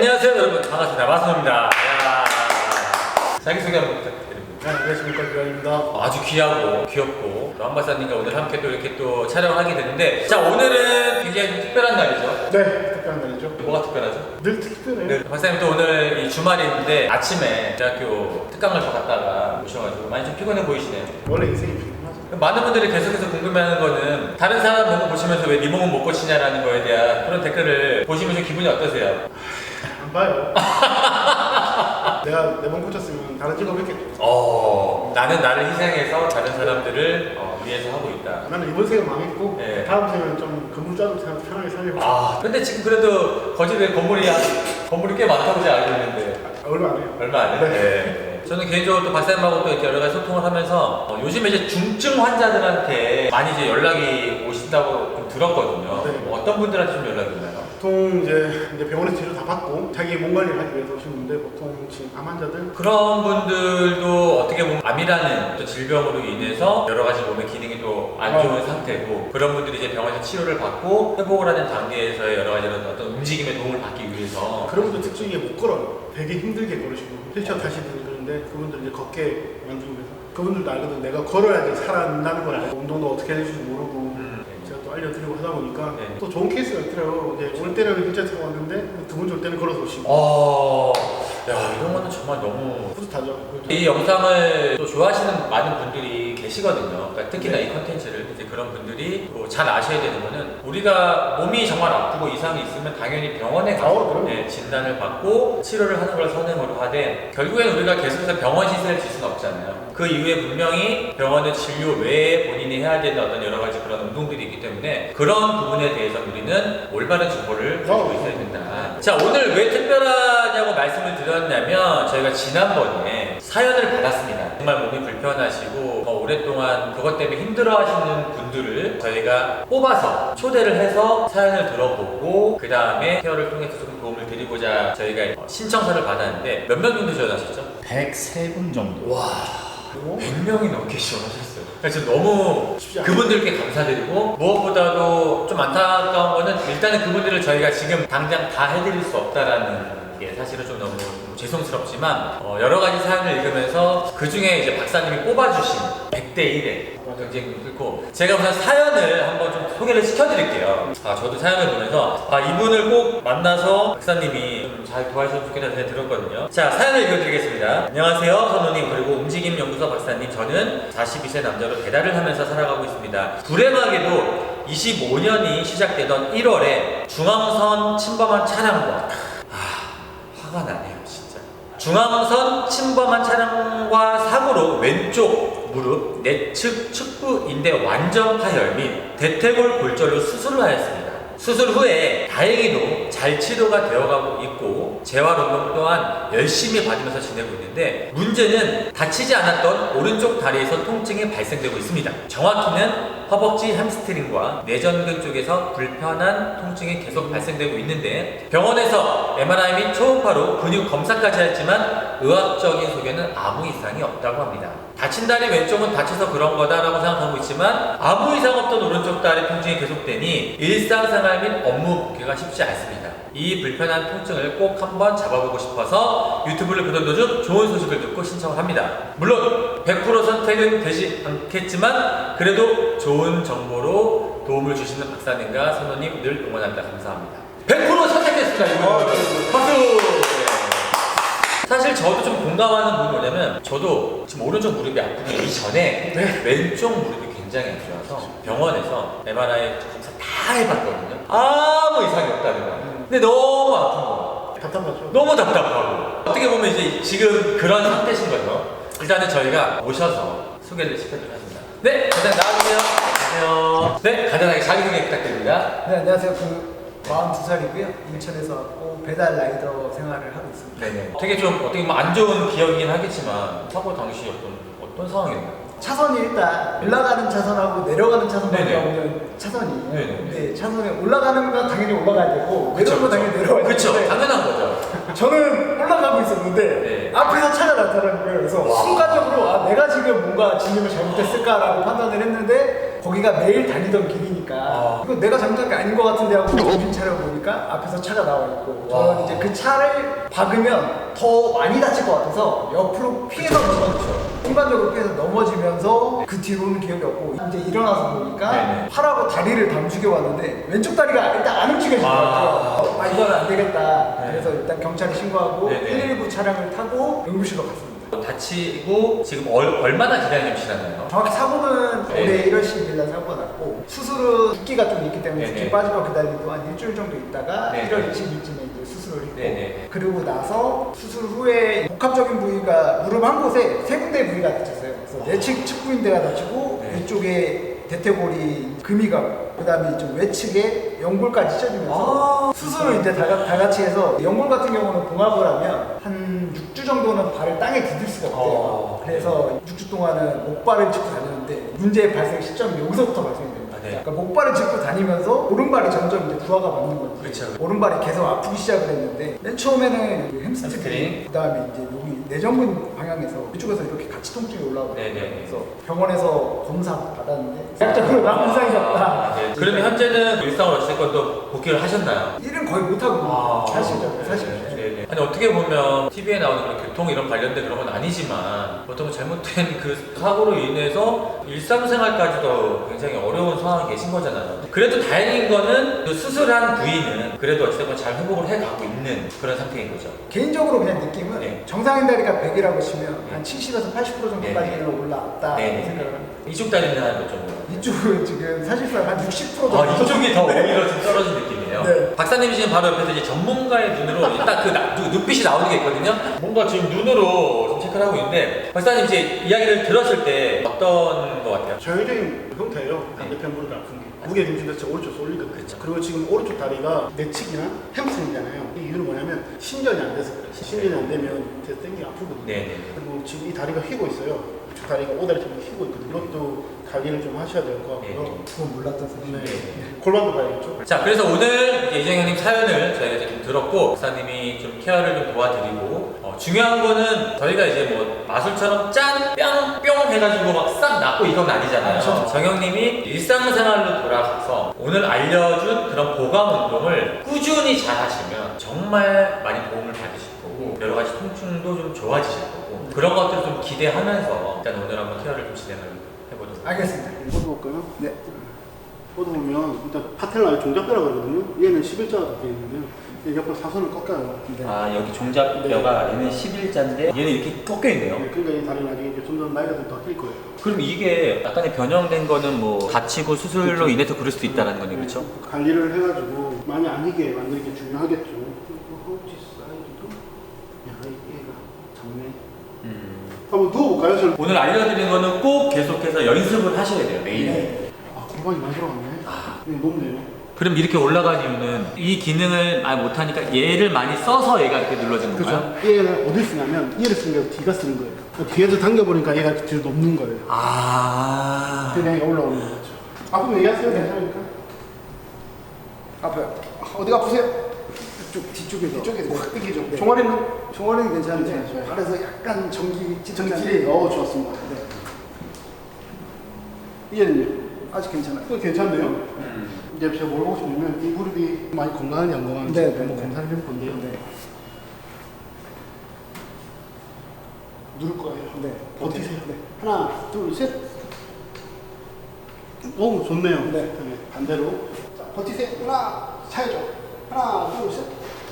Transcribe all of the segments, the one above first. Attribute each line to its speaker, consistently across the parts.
Speaker 1: 안녕하세요 여러분, 반갑습니다. 마스노입니다. 자기소개 한번 부탁드립니다.
Speaker 2: 네, 안녕하십니까, 유한입니다.
Speaker 1: 아주 귀하고 귀엽고 또 한박사님과 오늘 함께 또 이렇게 또 촬영하게 되는데, 자, 오늘은 굉장히 좀 특별한 날이죠.
Speaker 2: 네, 특별한 날이죠.
Speaker 1: 뭐가 특별하죠?
Speaker 2: 늘 특별해요.
Speaker 1: 네, 박사님 또 오늘 이 주말인데 아침에 대학교 특강을 더 갔다가 오셔가지고 많이 좀 피곤해 보이시네요.
Speaker 2: 원래 인생이 피곤하죠.
Speaker 1: 많은 분들이 계속해서 궁금해하는 거는 다른 사람 몸을 보시면서 왜 네 몸은 못 고치냐라는 거에 대한 그런 댓글을 보시면서 기분이 어떠세요?
Speaker 2: 안 봐요. 내가 내 몸 고쳤으면 다른 직업 했겠죠.
Speaker 1: 나는 나를 희생해서 다른 사람들을 위해서 하고 있다.
Speaker 2: 나는 이번 생은 망했고
Speaker 1: 네.
Speaker 2: 다음 생은 좀 건물 짜도 편하게 살려고.
Speaker 1: 근데 지금 그래도 거제도에 건물이 꽤 많다고 제가 알고 있는데
Speaker 2: 얼마 안 해요.
Speaker 1: 얼마 안 해요?
Speaker 2: 네.
Speaker 1: 저는 개인적으로 또 박사님하고 또 이렇게 여러 가지 소통을 하면서 요즘에 이제 중증 환자들한테 많이 이제 연락이 오신다고 좀 들었거든요.
Speaker 2: 네.
Speaker 1: 어떤 분들한테 좀 연락이 오나요?
Speaker 2: 보통 이제 병원에서 치료 다 받고 자기 몸 관리를 하기 위해서 오신 분들, 보통 지금 암 환자들.
Speaker 1: 그런 분들도 어떻게 보면 암이라는 또 질병으로 인해서 여러 가지 몸의 기능이 또 안 좋은 상태고, 그런 분들이 이제 병원에서 치료를 받고 회복을 하는 단계에서의 여러 가지 어떤 움직임에 도움을 받기 위해서
Speaker 2: 그런 분들 특징이 못 걸어요. 되게 힘들게 걸으시고 휠체어 타시는 그런데 그분들 이제 걷게 만들기 위해서, 그분들도 알거든. 내가 걸어야지 살아나는 걸 알고 운동도 어떻게 해야 될지 모르고 제가 또 알려드리고 하다 보니까
Speaker 1: 네.
Speaker 2: 또 좋은 케이스가 있더라고요. 이제 올 때는 휠체어 타고 왔는데 두 번째 올 때는 걸어서 오시고.
Speaker 1: 야, 이런 거는 정말 너무
Speaker 2: 뿌듯하죠.
Speaker 1: 이 영상을 또 좋아하시는 많은 분들이 계시거든요. 그러니까 특히나 이 컨텐츠를 이제 그런 분들이 또 잘 아셔야 되는 거는, 우리가 몸이 정말 아프고 이상이 있으면 당연히 병원에 가서 진단을 받고 치료를 하는 걸 선행으로 하되, 결국엔 우리가 계속해서 병원 시세를 질 수는 없잖아요. 그 이후에 분명히 병원의 진료 외에 본인이 해야 되는 어떤 여러 가지 그런 운동들이 있기 때문에 그런 부분에 대해서 우리는 올바른 정보를 가지고 있어야 된다. 자, 오늘 왜 특별하냐고 말씀을 드렸냐면, 저희가 지난번에 사연을 받았습니다. 정말 몸이 불편하시고 오랫동안 그것 때문에 힘들어하시는 분들을 저희가 뽑아서 초대를 해서 사연을 들어보고 그 다음에 케어를 통해서 조금 도움을 드리고자 저희가 신청서를 받았는데, 몇 명 정도 지원하셨죠?
Speaker 3: 103분 정도.
Speaker 1: 와, 100명이 넘게 지원하셨어요. 그래서 너무 그분들께 감사드리고, 무엇보다도 좀 안타까운 거는 일단은 그분들을 저희가 지금 당장 다 해드릴 수 없다라는 게 사실은 좀 너무 죄송스럽지만, 여러 가지 사연을 읽으면서 그 중에 이제 박사님이 뽑아주신 100대 1의 경쟁이 있고, 제가 우선 사연을 한번 좀 소개를 시켜드릴게요. 저도 사연을 보면서 이분을 꼭 만나서 박사님이 좀 잘 도와주셨으면 좋겠다는 생각이 들었거든요. 자, 사연을 읽어드리겠습니다. 안녕하세요, 선우님, 그리고 움직임연구소 박사님. 저는 42세 남자로 배달을 하면서 살아가고 있습니다. 불행하게도 25년이 시작되던 1월에 중앙선 침범한 차량과 화가 나네요, 진짜. 중앙선 침범한 차량과 사고로 왼쪽 무릎 내측 측부 인대 완전 파열 및 대퇴골 골절로 수술을 하였습니다. 수술 후에 다행히도 잘 치료가 되어가고 있고 재활 운동 또한 열심히 받으면서 지내고 있는데, 문제는 다치지 않았던 오른쪽 다리에서 통증이 발생되고 있습니다. 정확히는 허벅지 햄스트링과 내전근 쪽에서 불편한 통증이 계속 발생되고 있는데, 병원에서 MRI 및 초음파로 근육 검사까지 했지만 의학적인 소견은 아무 이상이 없다고 합니다. 다친 다리 왼쪽은 다쳐서 그런 거다라고 생각하고 있지만 아무 이상 없던 오른쪽 다리 통증이 계속되니 일상생활 및 업무 복귀가 쉽지 않습니다. 이 불편한 통증을 꼭 한번 잡아보고 싶어서 유튜브를 보던 도중 좋은 소식을 듣고 신청을 합니다. 물론 100% 선택은 되지 않겠지만 그래도 좋은 정보로 도움을 주시는 박사님과 선우님 늘 응원합니다. 감사합니다. 100% 선택했습니다. 박수! 사실 저도 좀 공감하는 부분이 뭐냐면, 저도 지금 오른쪽 무릎이 아프기 이전에 왼쪽 무릎이 굉장히 안 좋아서 병원에서 MRI 검사 다 해봤거든요. 아무 이상이 없다는 거예요. 근데 너무 아픈 거예요.
Speaker 2: 답답하죠.
Speaker 1: 너무 답답하고, 어떻게 보면 이제 지금 그런 상태신 거죠. 일단은 저희가 모셔서 소개를 시켜드리겠습니다. 네, 간단히 나와주세요. 안녕하세요. 네, 간단하게 자기소개 부탁드립니다.
Speaker 4: 네, 안녕하세요. 42살이고요. 인천에서 왔고 배달 라이더 생활을 하고 있습니다.
Speaker 1: 네네. 되게 좀 어떻게 보면 안 좋은 기억이긴 하겠지만 사고 당시 어떤 상황이었나요?
Speaker 4: 차선이 일단 올라가는 차선하고 내려가는 차선밖에
Speaker 1: 네네.
Speaker 4: 없는 차선이에요.
Speaker 1: 네네.
Speaker 4: 근데 차선에 올라가는 건 당연히 올라가야 되고 내려오는 건 당연히 내려와야
Speaker 1: 그쵸,
Speaker 4: 되는데
Speaker 1: 당연한 거죠.
Speaker 4: 저는 올라가고 있었는데
Speaker 1: 네.
Speaker 4: 앞에서 차가 나타나는 거예요. 그래서 순간적으로 내가 지금 뭔가 진입을 잘못했을까라고 판단을 했는데 거기가 매일 다니던 길이니까 이거 내가 잘못한 게 아닌 것 같은데 하고 정신 차려 보니까 앞에서 차가 나와 있고 저는 이제 그 차를 박으면 더 많이 다칠 것 같아서 옆으로 피해서 넘어졌죠. 일반적으로 피해서 넘어지면서 그 뒤로는 기억이 없고 이제 일어나서 보니까
Speaker 1: 네네.
Speaker 4: 팔하고 다리를 다 움직여 왔는데 왼쪽 다리가 일단 안 움직여지더라고요. 이건 안 되겠다.
Speaker 1: 네.
Speaker 4: 그래서 일단 경찰에 신고하고
Speaker 1: 네네.
Speaker 4: 119 차량을 타고 응급실로 갔습니다.
Speaker 1: 다치고 지금 얼마나 기다리면 지났나요?
Speaker 4: 정확히 사고는
Speaker 1: 네.
Speaker 4: 올해 1월 10일 날 사고가 났고 수술은 붓기가 좀 있기 때문에
Speaker 1: 네네.
Speaker 4: 붓기 빠지고 기다리고 한 일주일 정도 있다가
Speaker 1: 네네.
Speaker 4: 1월 20일쯤에 이제 수술을 했고
Speaker 1: 네네.
Speaker 4: 그리고 나서 수술 후에 복합적인 부위가 무릎 한 곳에 세 군데 부위가 다쳤어요. 그래서 내측 측부인대가 다치고
Speaker 1: 네.
Speaker 4: 이쪽에 대퇴골이 금이 가고 그다음에 이쪽 외측에 연골까지 찢어지면서 수술을 이제 다 같이 해서 연골 같은 경우는 봉합을 하면 한 6주 정도는 발을 땅에 디딜 수가 없대요. 그래서 6주 동안은 목발을 짚고 다녔는데 문제의 발생 시점이 여기서부터 발생이 됩니다.
Speaker 1: 네.
Speaker 4: 그러니까 목발을 짚고 다니면서 오른발이 점점 이제 부하가 맞는 거지.
Speaker 1: 그렇죠.
Speaker 4: 오른발이 계속 아프기 시작을 했는데 맨 처음에는 그
Speaker 1: 햄스트링.
Speaker 4: 햄스트링 그다음에 이제 여기 내전근 방향에서 이쪽에서 이렇게 같이 통증이 올라오고
Speaker 1: 네네.
Speaker 4: 그래서 병원에서 검사 받았는데 살짝으로 아무 이상이 없다.
Speaker 1: 네. 그러면 현재는 일상으로 어쨌건 또 복귀를 하셨나요?
Speaker 4: 일은 거의 못하고 사실죠 사실.
Speaker 1: 네네. 아니 어떻게 보면 TV에 나오는 그런 교통 이런 관련된 그런 건 아니지만 어떤 잘못된 그 사고로 인해서 일상생활까지도 굉장히 어려운 상황에 계신 거잖아요. 그래도 다행인 거는 그 수술한 부위는 그래도 어쨌든 잘 회복을 해가고 있는 그런 상태인 거죠.
Speaker 4: 개인적으로 그냥 느낌은
Speaker 1: 네.
Speaker 4: 정상인 다리가 100이라고 치면 한 70에서 80% 정도까지는
Speaker 1: 네.
Speaker 4: 올라왔다
Speaker 1: 네.
Speaker 4: 생각을 합니다.
Speaker 1: 이쪽 다리는 한 몇 정도?
Speaker 4: 이쪽은 지금 사실상 한 60% 정도.
Speaker 1: 아, 이쪽이 더 오히려 좀 떨어진 느낌이에요.
Speaker 4: 네.
Speaker 1: 박사님이 지금 바로 옆에서 이제 전문가의 눈으로 딱 그 눈빛이 나오는 게 있거든요. 뭔가 지금 눈으로 좀 체크를 하고 있는데 박사님 이제 이야기를 들었을 때 어떤 것 같아요?
Speaker 2: 전형적인 형태예요. 반대편 무릎이 아픈 게. 무게 중심 자체가 오른쪽 쏠리거든요. 그리고 지금 오른쪽 다리가 내측이나 햄스트링이잖아요. 이 이유는 뭐냐면 신전이 안 돼서 그래요. 신전이 안 되면 제 땡기 아프거든요.
Speaker 1: 네네.
Speaker 2: 그리고 지금 이 다리가 휘고 있어요. 이쪽 다리가 오다리처럼 휘고 있거든요. 이것도 관리를 좀 하셔야 될 것 같고요.
Speaker 4: 그건 몰랐던 사실.
Speaker 2: 네. 골반도 봐야겠죠.
Speaker 1: 자, 그래서 오늘 이정현님 사연을 저희가 이제 좀 들었고 박사님이 좀 케어를 좀 도와드리고 중요한 거는 저희가 이제 뭐 마술처럼 짠! 뿅! 뿅! 해가지고 막 싹 낫고 이건 아니잖아요. 정영님이 일상생활로 돌아가서 오늘 알려준 그런 보강 운동을 꾸준히 잘 하시면 정말 많이 도움을 받으실 거고 여러 가지 통증도 좀 좋아지실 거고 그런 것들을 좀 기대하면서 일단 오늘 한번 케어를 좀 진행을 해보도록
Speaker 4: 알겠습니다.
Speaker 2: 뻗어볼까요?
Speaker 4: 네.
Speaker 2: 뻗어보면 일단 파텔라의 종잡뼈라고 그러거든요. 얘는 11자가 덮여 있는데요. 얘 옆으로 사선을 꺾여요.
Speaker 4: 네.
Speaker 3: 아 여기 종잡뼈가 얘는 11자인데 얘는 이렇게 꺾여 있네요.
Speaker 2: 네, 그러니까 이 다리는 나중에 이제 점점 나이가 좀 더 낄 거예요.
Speaker 3: 그럼 이게 약간의 변형된 거는 뭐 다치고 수술로 인해서 그럴 수도 있다는 거네요, 그렇죠?
Speaker 2: 관리를 해가지고 많이 아니게 만드는 게 중요하겠죠. 허벅지 사이드도 야 얘가 작네. 한번 누워볼까요? 저는
Speaker 1: 오늘 알려드린 거는 꼭 계속해서 연습을 하셔야 돼요, 매일.
Speaker 4: 네.
Speaker 2: 아 골반이 많이 들어갔네. 네, 높네요.
Speaker 1: 그럼 이렇게 올라간 이유는 이 기능을 많이 못하니까 얘를 많이 써서 얘가 이렇게 눌러지는 건가요?
Speaker 2: 그렇죠. 얘를 어디 쓰냐면 얘를 쓰는 게 뒤가 쓰는 거예요. 뒤에서 당겨보니까 얘가 뒤로 높는 거예요.
Speaker 1: 아.
Speaker 2: 그냥 얘가 올라오는 거죠. 아프면 얘기하세요. 괜찮으니까.
Speaker 4: 아파요.
Speaker 2: 어디가 아프세요?
Speaker 4: 이쪽 뒤쪽에서.
Speaker 2: 이쪽에서 확 당기죠.
Speaker 4: 네.
Speaker 2: 종아리는?
Speaker 4: 종아리는 괜찮은데
Speaker 2: 괜찮아요.
Speaker 4: 발에서 약간 전기
Speaker 2: 전기질이 좋았습니다.
Speaker 4: 네.
Speaker 2: 얘는요?
Speaker 4: 아직 괜찮아요.
Speaker 2: 또 괜찮네요. 이제 제가 뭘 보고 싶냐면 이 무릎이 많이 건강한지 안 건강한지
Speaker 4: 네,
Speaker 2: 한번
Speaker 4: 네.
Speaker 2: 검사를 해볼 건데요.
Speaker 4: 네.
Speaker 2: 누를 거예요.
Speaker 4: 네.
Speaker 2: 버티세요.
Speaker 4: 네.
Speaker 2: 하나, 둘, 셋. 오, 좋네요.
Speaker 4: 네.
Speaker 2: 반대로. 자, 버티세요. 하나, 차야죠. 하나, 둘, 셋.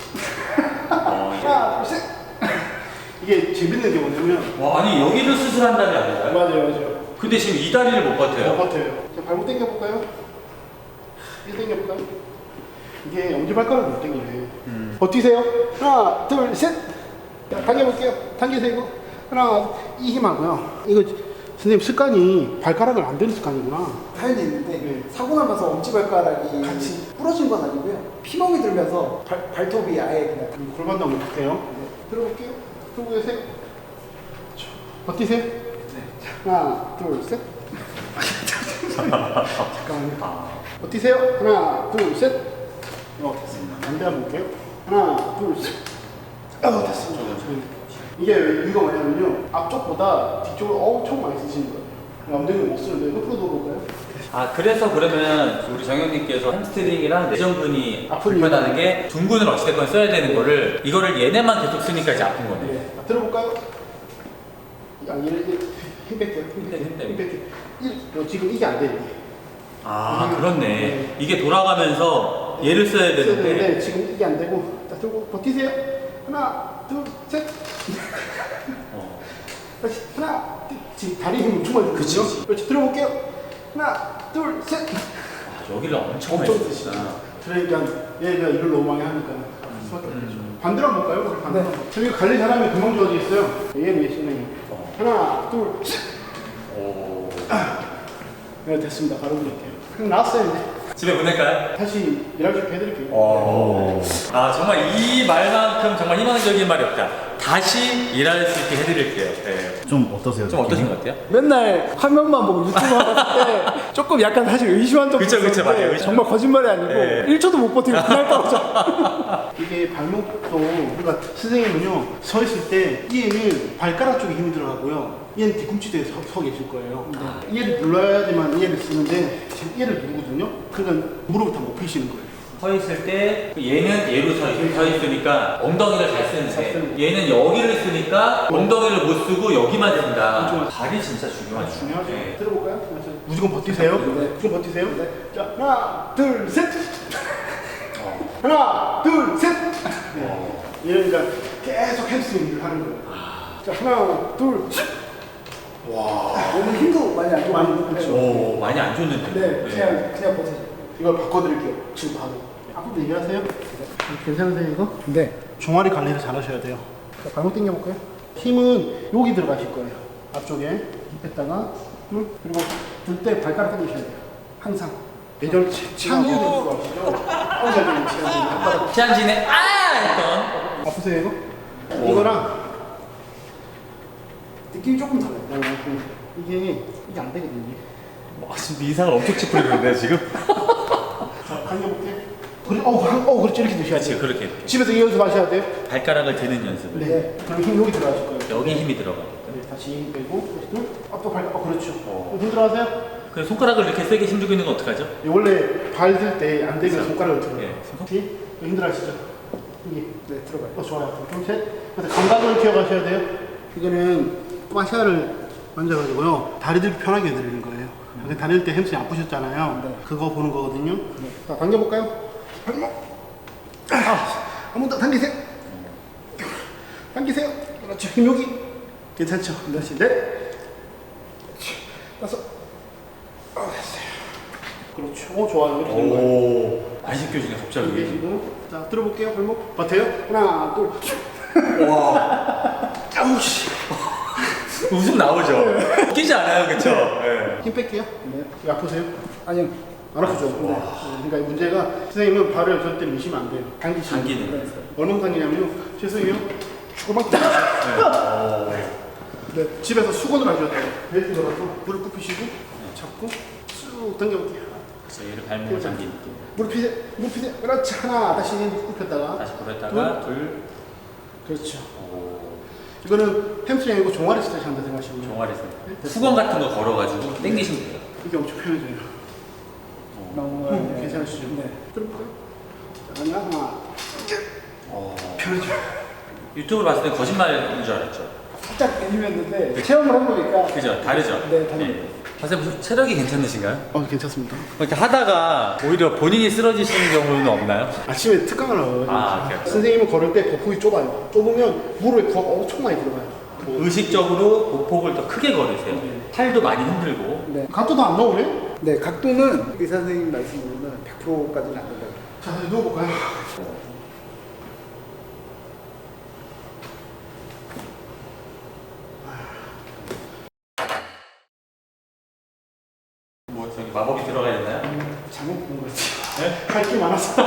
Speaker 2: 하나, 둘, 셋. 이게 재밌는 게 뭐냐면
Speaker 1: 와, 아니 여기를 수술한다는 게 아니라요?
Speaker 2: 맞아요.
Speaker 1: 근데 지금 이 다리를 못 버텨요.
Speaker 2: 버텨요. 자, 발목 당겨볼까요? 이거 당겨볼까요? 이게 엄지발가락을 못 당기네. 버티세요. 하나, 둘, 셋. 자, 당겨볼게요. 당기세요. 이거. 하나, 이 힘하고요. 이거 선생님 습관이 발가락을 안 대는 습관이구나.
Speaker 4: 사연이 있는데
Speaker 2: 네.
Speaker 4: 사고 나면서 엄지발가락이
Speaker 2: 같이.
Speaker 4: 부러진 건 아니고요. 피멍이 들면서 발톱이 아예 그냥
Speaker 2: 그리고 골반도 한번 볼게요. 들어볼게요. 들고 계세요. 버티세요. 하나, 둘, 셋. 잠깐만요. 버티세요. 하나, 둘, 셋. 됐습니다. 반대 한번 볼게요. 하나, 둘, 셋. 됐습니다. 이게 왜 이유가 뭐냐면요. 앞쪽보다 뒤쪽을 엄청 많이 쓰시는 거예요. 엉덩이 못 쓰는데 옆으로 돌아볼까요?
Speaker 3: 아 그래서 그러면 우리 정영님께서 햄스트링이랑 내전근이
Speaker 2: 아픈
Speaker 3: 불편하는 게 둔근을 어찌됐건 써야 되는 거를 이거를 얘네만 계속 쓰니까 이제 아픈 거네.
Speaker 2: 네. 들어볼까요? 야, 얘를 힘 뺄게요.
Speaker 3: 힘 빼.
Speaker 2: 힘 뺄게요. 지금 이게 안 돼요.
Speaker 3: 아 그렇네. 이게 돌아가면서 얘를 써야 되는데
Speaker 2: 지금 이게 안 되고 자 들고 버티세요. 하나, 둘, 셋. 다시 하나, 둘. 지금 다리 힘 엄청 많이 들거든요.
Speaker 3: 그치.
Speaker 2: 그렇지. 들어볼게요. 하나, 둘, 셋.
Speaker 3: 아, 여기를 엄청 많이
Speaker 2: 엄청
Speaker 3: 쓰시다.
Speaker 2: 그러니까 얘가 이걸 너무 많이 하니까 아플 수밖에 없겠죠. 반대로 한번 볼까요? 우리 반대로. 저기 관리 잘하면 금방 좋아지겠어요. 얘는 예시네요. 하나, 둘, 셋.
Speaker 3: 오.
Speaker 2: 네, 됐습니다. 바로 드릴게요. 그럼 나왔어요 이제.
Speaker 1: 집에 보낼까요?
Speaker 2: 다시 일할 수 있게 해드릴게요.
Speaker 1: 아 정말 이 말만큼 정말 희망적인 말이 없다. 다시 일할 수 있게 해드릴게요. 네.
Speaker 5: 좀 어떠세요?
Speaker 1: 좀 어떠신 것 같아요?
Speaker 2: 맨날 화면만 보고 유튜브 하실 때 조금 약간 사실 의심한 적도
Speaker 1: 그쵸,
Speaker 2: 있었는데
Speaker 1: 맞아요. 의심.
Speaker 2: 정말 거짓말이 아니고
Speaker 1: 네.
Speaker 2: 1초도 못 버티고 그날 떨어져. 이게 발목도 그러니까 선생님은요 서 있을 때 얘는 발가락 쪽에 힘이 들어가고요. 얘는 뒤꿈치대에 서 계실 거예요. 얘를 눌러야지만 얘를 쓰는데 지금 얘를 누르거든요. 그러니까 무릎을 다 못 펴시는 거예요.
Speaker 3: 서 있을 때 얘는 얘로 서 있으니까 엉덩이를 잘 쓰는데 얘는 여기를 쓰니까 엉덩이를 못 쓰고 여기만 쓴다. 발이 진짜 중요하죠.
Speaker 2: 중요하죠.
Speaker 3: 네.
Speaker 2: 들어볼까요? 무조건 버티세요. 무조건 버티세요. 자 하나 둘 셋. 하나 둘 셋. 네. 얘는 그러니까 계속 햄스트링을 하는 거예요. 자 하나 둘 셋.
Speaker 4: 몸은 힘도 많이 안
Speaker 2: 많이
Speaker 4: 좋고.
Speaker 2: 그렇죠.
Speaker 3: 오 많이 안 좋는데.
Speaker 4: 네, 그냥 버티죠.
Speaker 2: 이걸 바꿔드릴게요. 지금 바로. 앞으로 얘기하세요. 괜찮으세요 이거?
Speaker 4: 네.
Speaker 2: 종아리 관리를 잘 하셔야 돼요. 자, 발목 당겨볼까요? 힘은 여기 들어가실 거예요. 앞쪽에 뺐다가 그리고 들 때 발가락 당기셔야 돼요. 항상. 예전 치안진에 들어가시죠? 황사적인 치안진 한 바닥.
Speaker 1: 치안진에 했던
Speaker 2: 아프세요 이거? 이거랑
Speaker 4: 느낌이 조금 달라요.
Speaker 2: 이게 안 되거든요.
Speaker 1: 지금 이상을 엄청 찌푸리는데 지금?
Speaker 2: 자, 당겨볼게. 그래, 그렇지 이렇게 드셔야 돼요.
Speaker 1: 그렇게
Speaker 2: 집에서 이 연습하셔야 돼요.
Speaker 3: 발가락을 드는 연습을.
Speaker 2: 네. 그럼 힘 여기 들어가실 거예요.
Speaker 3: 여기 힘이 들어가.
Speaker 2: 네, 다시 힘 빼고 다시 둘. 또 발. 그렇죠. 힘 들어가세요.
Speaker 3: 그 손가락을 이렇게 세게 힘주고 있는 건 어떡하죠?
Speaker 2: 원래 발 들 때 안 되면 손가락을 들어요.
Speaker 3: 네.
Speaker 2: 다시 힘들어하시죠? 여기.
Speaker 4: 네, 들어가요.
Speaker 2: 좋아요. 둘, 셋. 그래서 감각을 키워가셔야 돼요. 이거는 마시아를 만져가지고요. 다리들 편하게 해드리는 거예요. 다닐 때 햄스트링 아프셨잖아요.
Speaker 4: 네.
Speaker 2: 그거 보는 거거든요. 자, 당겨볼까요? 발목. 한 번 더 당기세요. 당기세요. 그렇죠. 힘 여기. 괜찮죠? 다시 넷. 다섯. 됐어요. 그렇죠. 좋아요. 이렇게 되는 거예요.
Speaker 3: 오 많이 씻겨주네
Speaker 2: 여기
Speaker 3: 갑자기.
Speaker 2: 계시고. 자, 들어볼게요. 발목. 버텨요. 하나, 둘. 아우씨.
Speaker 1: 웃음 나오죠? 웃기지 않아요 그쵸? 네.
Speaker 2: 힘 뺄게요. 네. 여기 아프세요?
Speaker 4: 아니요.
Speaker 2: 안 아프죠? 네. 그러니까 문제가 선생님은 발을 절대 미시면 안 돼요. 당기시면
Speaker 3: 당기는
Speaker 2: 돼요. 얼마나 당기냐면요. 죄송해요. 죽어만 당기세요. 네. 집에서 수건을 하셔야 돼요. 벨트 걸어서 무릎 굽히시고 잡고 쭉 당겨볼게요.
Speaker 3: 그래서 얘를 발목을 당기는.
Speaker 2: 무릎 피세요. 무릎 피세요. 그렇지. 하나. 다시 굽혔다가
Speaker 3: 다시 굽혔다가 둘.
Speaker 2: 그렇죠.
Speaker 3: 오
Speaker 2: 이거는 햄스트링 아니고 종아리 스트레치 한다 생각하시면
Speaker 3: 종아리 수건 같은 거 걸어가지고 당기시면 돼요.
Speaker 2: 이게 엄청 편해져요.
Speaker 4: 너무
Speaker 2: 괜찮으시죠?
Speaker 4: 네.
Speaker 2: 들어볼까요? 자, 하나. 편해져.
Speaker 3: 유튜브를 봤을 때 거짓말인 줄 알았죠.
Speaker 4: 살짝 의심했는데 체험을 해보니까
Speaker 3: 그죠? 다르죠?
Speaker 4: 네, 다릅니다.
Speaker 1: 선생님 체력이 괜찮으신가요?
Speaker 2: 괜찮습니다.
Speaker 1: 이렇게 하다가 오히려 본인이 쓰러지시는 경우는 없나요?
Speaker 2: 아침에 특강을 하거든요.
Speaker 1: 오케이.
Speaker 2: 선생님은 걸을 때 보폭이 좁아요. 좁으면 무릎에 부하가 엄청 많이 들어가요.
Speaker 3: 의식적으로 보폭을 더 크게 걸으세요. 팔도 많이 흔들고.
Speaker 4: 네.
Speaker 2: 각도도 안 나오네?
Speaker 4: 네, 각도는 의사 선생님 말씀으로는 100%까지는 안 된다고.
Speaker 2: 자, 다시 누워볼까요?
Speaker 3: 뭐 저기 마법이 들어가 있나요?
Speaker 2: 잘못 본 거지. 할 게 많았어.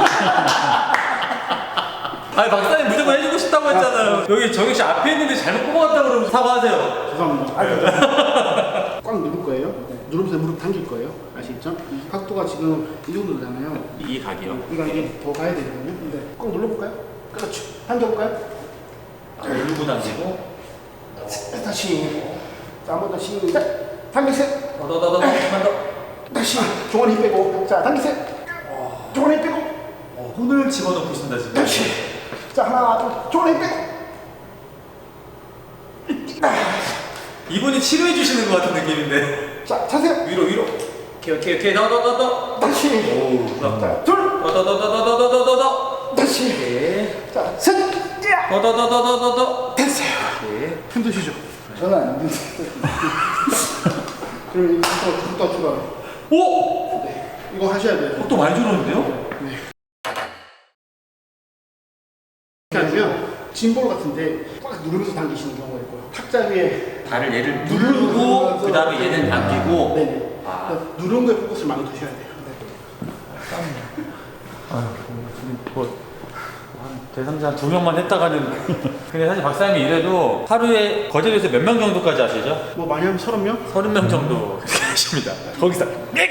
Speaker 1: 아니 박사님 무조건 해주고 싶다고 했잖아요. 여기 정혁 씨 앞에 있는데 잘못 뽑아갔다 그러면 사과하세요.
Speaker 2: 죄송합니다. 꽉 누를 거예요. 누르면서 무릎 당길 거예요. 아시겠죠? 이 각도가 지금 이 정도잖아요.
Speaker 3: 이 각이요.
Speaker 2: 이거 이게 더 가야 되거든요. 네. 꽉 눌러볼까요? 그렇죠. 당겨볼까요?
Speaker 3: 누르고 당기고.
Speaker 2: 다시. 자, 한 번 더 시작. 당기세요.
Speaker 3: 더더더더 한번 더.
Speaker 2: 다시 종아리 힘 빼고. 자, 당기세요. 종아리 힘 빼고.
Speaker 3: 손을 집어넣고 있습니다 지금.
Speaker 2: 다시. 자, 하나, 둘. 종아리 힘 빼고.
Speaker 3: 이분이 치료해 주시는 것 같은 느낌인데.
Speaker 2: 자, 차세요.
Speaker 3: 위로. 오케이. 더더더더.
Speaker 2: 다시.
Speaker 3: 오.
Speaker 2: 자, 둘.
Speaker 3: 더더더더더더더더.
Speaker 2: 다시.
Speaker 3: 오케이.
Speaker 2: 자, 셋.
Speaker 3: 더더더더더더더.
Speaker 2: 됐어요.
Speaker 3: 오케이.
Speaker 2: 힘드시죠?
Speaker 4: 저는 안 힘든데.
Speaker 2: 그럼 이거 추가.
Speaker 3: 오!
Speaker 2: 이거 하셔야 돼요.
Speaker 3: 또 많이 줄었는데요?
Speaker 2: 네. 이렇게 하면 짐볼 같은데 꽉 누르면서 당기시는 경우가 있고요. 탁자 위에
Speaker 3: 발을 얘를 누르고 그 다음에 얘는 당기고.
Speaker 2: 네네.
Speaker 3: 아.
Speaker 2: 그러니까 누른 거에 포커스를 많이 두셔야 돼요.
Speaker 3: 대상자 한 2명만 했다가는. 근데 사실 박사님이 이래도 하루에 거제도에서 몇 명 정도까지 하시죠?
Speaker 2: 뭐 많이 하면 30명?
Speaker 3: 30명 정도 하십니다. 거기서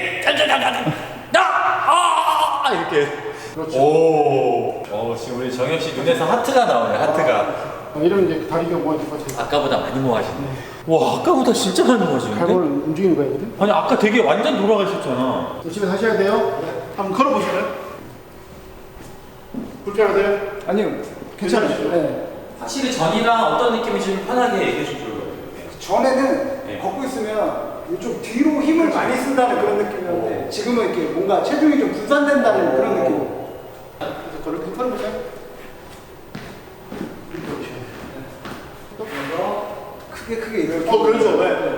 Speaker 3: 이렇게.
Speaker 2: 그렇죠.
Speaker 3: 오. 지금 우리 정엽 씨 눈에서 하트가 나오네. 하트가.
Speaker 2: 이러면 이제 다리가 모아질 것 같아요.
Speaker 3: 아까보다 많이 모아지네. 와, 아까보다 진짜 많이 모아지는데?
Speaker 2: 발골을 움직이는 거거든.
Speaker 3: 아니 아까 되게 완전 돌아가셨잖아.
Speaker 2: 열심히 하셔야 돼요. 한번 걸어보실까요? 불편하세요?
Speaker 4: 아니요.
Speaker 2: 괜찮으시죠?
Speaker 4: 네.
Speaker 3: 확실히 전이랑 어떤 느낌인지 좀 편하게 얘기해 주실 거예요.
Speaker 4: 전에는
Speaker 3: 네.
Speaker 4: 걷고 있으면 좀 뒤로 힘을 많이 쓴다는 그런 느낌이었는데 지금은 이렇게 뭔가 체중이 좀 분산된다는 그런 느낌.
Speaker 2: 그래서 걸어보세요.
Speaker 4: 크게 이렇게.
Speaker 2: 그렇죠. 네.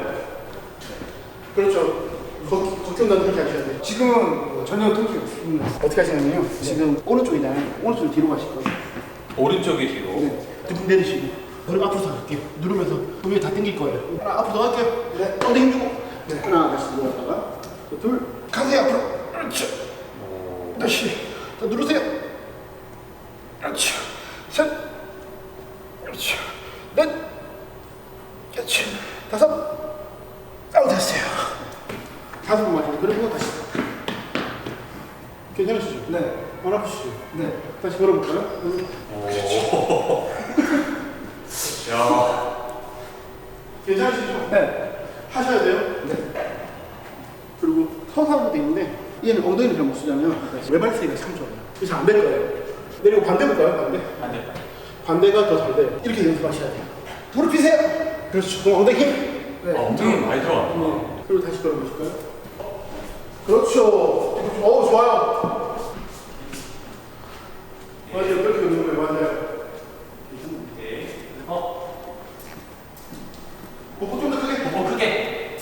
Speaker 2: 그렇죠. 걷긴다는 그렇게 하셔야 돼요.
Speaker 4: 지금은 전혀 통증이 없어요.
Speaker 2: 어떻게 하시냐면요. 지금 오른쪽이잖아요. 오른쪽 뒤로 가실 거예요.
Speaker 3: 오른쪽이 뒤로.
Speaker 2: 네. 등등 내리시고. 그리고 앞으로 더 갈게요. 누르면서 몸이 다 당길 거예요. 하나 앞으로 더 갈게요. 네. 엉덩이 힘주고. 네. 하나 다시 누웠다가 둘. 가세요 앞으로. 그렇죠. 다시. 더 누르세요. 그렇죠. 셋. 그렇죠. 넷. 그렇죠. 다섯. 됐어요. 5번 맞아요. 그리고 다시. 괜찮으시죠?
Speaker 4: 네.
Speaker 2: 안 아프시죠?
Speaker 4: 네.
Speaker 2: 다시 걸어볼까요?
Speaker 3: 야.
Speaker 2: 괜찮으시죠?
Speaker 4: 네.
Speaker 2: 하셔야 돼요.
Speaker 4: 네.
Speaker 2: 그리고 서서 하는 것도 있는데 얘는 엉덩이를 잘 못 쓰잖아요. 외발 세기가 참 좋아요. 그래서 안 될 거예요. 내리고 반대 볼까요? 반대?
Speaker 3: 안 됐다.
Speaker 2: 반대가 더 잘 돼요. 이렇게 연습하셔야 돼요. 무릎 펴세요. 그렇죠. 그럼 엉덩이 힘.
Speaker 4: 네.
Speaker 3: 엉덩이 많이 들어갔구나.
Speaker 2: 그리고 다시 걸어보실까요? 그렇죠. 좋아요. 맞아요. 그렇게 걷는 거예요. 맞아요. 복부 좀 더 크게.
Speaker 3: 뭐 크게.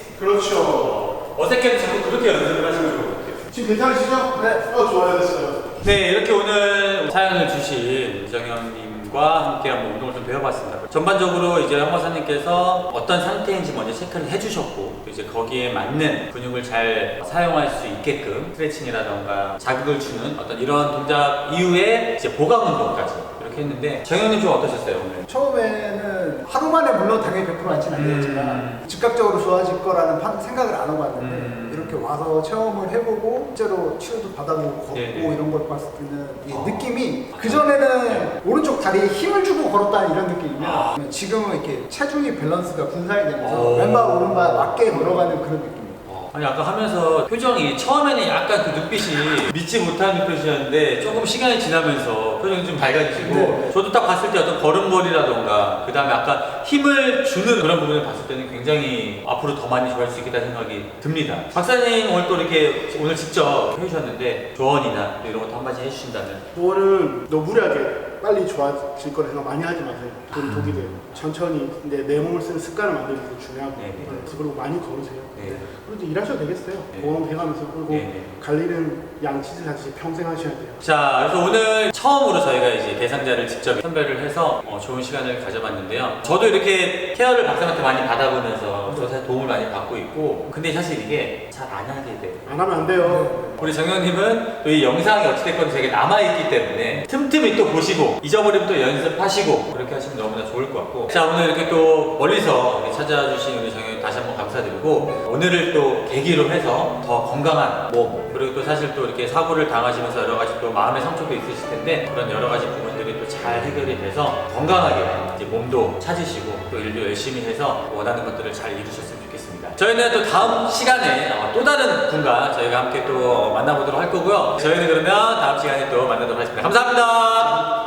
Speaker 2: 그렇죠.
Speaker 3: 어색해도 자꾸 그렇게 연습을 하시는 것 같아요.
Speaker 2: 지금 괜찮으시죠? 네. 좋아요. 됐어요.
Speaker 3: 네, 이렇게 오늘 사연을 주신 이정현님과 함께 한번 운동을 좀 배워봤습니다. 전반적으로 이제 황박사님께서 어떤 상태인지 먼저 체크를 해주셨고, 이제 거기에 맞는 근육을 잘 사용할 수 있게끔 스트레칭이라던가 자극을 주는 어떤 이런 동작 이후에 이제 보강 운동까지 이렇게 했는데, 정현님 좀 어떠셨어요, 오늘?
Speaker 4: 처음에는 하루 만에 물론 당연히 100% 안지는 않겠지만 즉각적으로 좋아질 거라는 생각을 안 하고 왔는데 이렇게 와서 체험을 해보고 실제로 치료도 받아보고 걷고
Speaker 3: 네네.
Speaker 4: 이런 걸 봤을 때는 이 느낌이 그전에는 오른쪽 다리에 힘을 주고 걸었다는 이런 느낌이면 지금은 이렇게 체중이 밸런스가 분산이 되면서 왼발 오른발 맞게 걸어가는 그런 느낌.
Speaker 3: 아니 아까 하면서 표정이 처음에는 약간 그 눈빛이 믿지 못하는 눈빛이었는데 조금 시간이 지나면서 표정이 좀 밝아지시고
Speaker 4: 네.
Speaker 3: 저도 딱 봤을 때 어떤 걸음걸이라던가 그 다음에 아까 힘을 주는 그런 부분을 봤을 때는 굉장히 앞으로 더 많이 좋아할 수 있겠다 생각이 듭니다. 박사님 오늘 또 이렇게 오늘 직접 해주셨는데 조언이나 이런 것도 한마디 해주신다면.
Speaker 2: 조언은 너무 무리하게 빨리 좋아질 거라 생각 많이 하지 마세요. 그럼 독이 돼요. 천천히 근데 내 몸을 쓰는 습관을 만드는 게 중요하고
Speaker 3: 네, 네.
Speaker 2: 그리고 많이 걸으세요.
Speaker 3: 네.
Speaker 2: 그리고 이제 일하셔도 되겠어요.
Speaker 3: 네.
Speaker 2: 보험 해가면서 그리고
Speaker 3: 네.
Speaker 2: 관리는 양치질 하듯이 평생 하셔야 돼요.
Speaker 3: 자, 그래서 오늘 처음으로 저희가 이제 대상자를 직접 선별을 해서 좋은 시간을 가져봤는데요. 저도 이렇게 케어를 박사님한테 많이 받아보면서 저 사실 도움을 많이 받고 있고, 근데 사실 이게 잘 안 하게 돼요.
Speaker 2: 안 하면 안 돼요.
Speaker 3: 우리 정현님은 또 이 영상이 어찌됐건 되게 남아있기 때문에 틈틈이 또 보시고 잊어버리면 또 연습하시고 그렇게 하시면 너무나 좋을 것 같고, 자 오늘 이렇게 또 멀리서 찾아주신 우리 정현님 다시 한번 감사드리고, 오늘을 또 계기로 해서 더 건강한 몸, 그리고 또 사실 또 이렇게 사고를 당하시면서 여러 가지 또 마음의 상처도 있으실 텐데 그런 여러 가지 부분들이 또 잘 해결이 돼서 건강하게 이제 몸도 찾으시고 또 일도 열심히 해서 원하는 것들을 잘 이루셨으면 좋겠습니다. 저희는 또 다음 시간에 또 다른 분과 저희가 함께 또 만나보도록 할 거고요. 저희는 그러면 다음 시간에 또 만나도록 하겠습니다. 감사합니다.